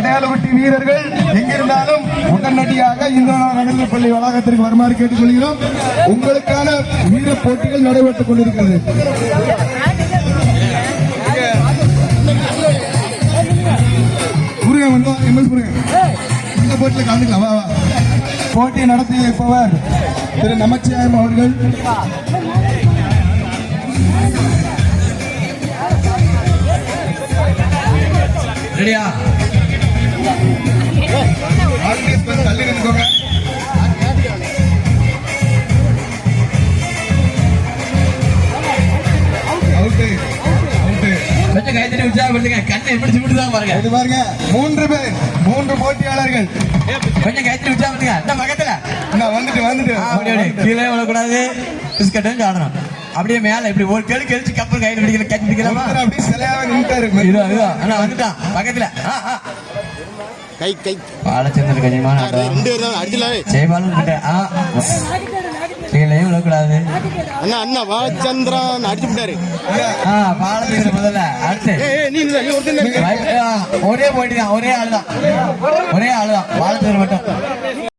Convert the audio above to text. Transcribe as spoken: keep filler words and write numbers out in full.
அடையாளப்பட்டி வீரர்கள் எங்கிருந்தாலும் உடனடியாக இந்திரா நடுநிலைப் பள்ளி வளாகத்திற்கு வருமாறு கேட்டுக்கொள்கிறோம். உங்களுக்கான வீர போட்டிகள் நடைபெற்றுக் கொண்டிருக்கிறது. முருகன் வந்து எம்எஸ் முருகன் இந்த போட்டியில் கலந்துக்கலாம். போட்டியை நடத்தி வைப்பவர் திரு நமச்சிவாயம் அவர்கள். ரெடியா? தள்ளி நின்றுக்கோங்க. கொஞ்சம் கைத்தறி உற்சாகப்படுத்துங்க. கண்ணை எப்படி சிமிட்டுதான் பாருங்க. இது பாருங்க, மூன்று பேர், மூன்று போட்டியாளர்கள். கொஞ்சம் கைத்தறி உற்சாகப்படுத்துங்க. இந்த பக்கத்துல வந்துட்டு வந்துட்டு அப்படியே கீழே விழக்கூடாது. பிஸ்கட்டும் சாடணும். அப்படியே மேல இப்படி ஒரு கெளி கழிச்சு கப்பல் கையில் பிடிக்கல கட்சி பிடிக்கலாமா? அப்படியே சிலையாக நின்றாரு. ஆனா வந்துட்டான் பக்கத்துல. கை கை பாலச்சந்திர கனிமான ஜெயபாலன் கீழே விழக்கூடாது. அண்ணா அண்ணா பாலச்சந்திரன் அடிச்சு விட்டாரு. பாலச்சந்திர முதல்ல அடுத்து ஒரே போயிட்டு தான். ஒரே ஆளுதான் ஒரே ஆளுதான் பாலச்சந்திர மட்டும்.